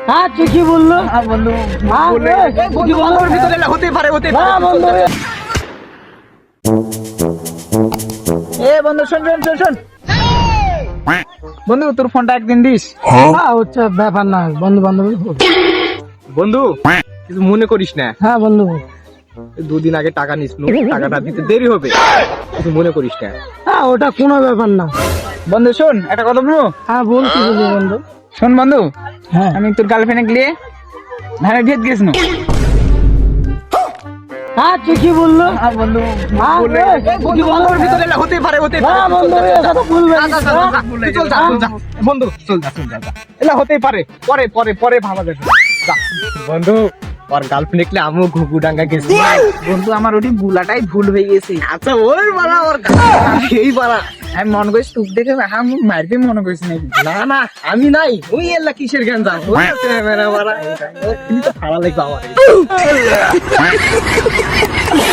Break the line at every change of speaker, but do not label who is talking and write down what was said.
হ্যাঁ ঠিকই বললো।
বন্ধু হতে পারে বন্ধু। এ বন্ধু শোন শোন শোন শোন বন্ধু, তোর ফোনটা একদিন দিস।
হ্যাঁ হচ্ছে ব্যাপার না, বন্ধু বান্ধব।
বন্ধু কিছু মনে করিস না,
হ্যাঁ বন্ধু।
দুদিন আগে টাকা নিস, টাকাটা দিতে দেরি হবে, কিছু মনে করিস না।
হ্যাঁ ওটা কোনো ব্যাপার না।
বন্ধু শোন একটা কথা বলবো।
হ্যাঁ বলছি বন্ধু।
শোন বন্ধু,
হ্যাঁ
আমি তোর গার্লফ্রেন্ড গিয়ে ধানের ভিত গেছিল।
হ্যাঁ ঠিকই বললো।
বন্ধু
হ্যাঁ,
বন্ধুর ভিতরে হতে পারে
হ্যাঁ বন্ধু এটা তো ভুল
বন্ধু চল যা এলা হতেই পারে, পরে পরে পরে ভাবা যাবে। যা। বন্ধু ওর গার্লফ্রেন্ড দেখলে আমিও ঘুঘু ডাঙ্গা গেছি। বন্ধু আমার ওটি বুলাটাই ভুল হয়ে গেছে। আচ্ছা ওই বাড়া ওর এই বাড়া আমি মনে করিস তুক দেখে আমি মারবে মনে করিস নাকি? না না আমি নাই, ওই এলা কিসের গান যা মেরা বাড়া, কিন্তু ভালো লাগবে আমার।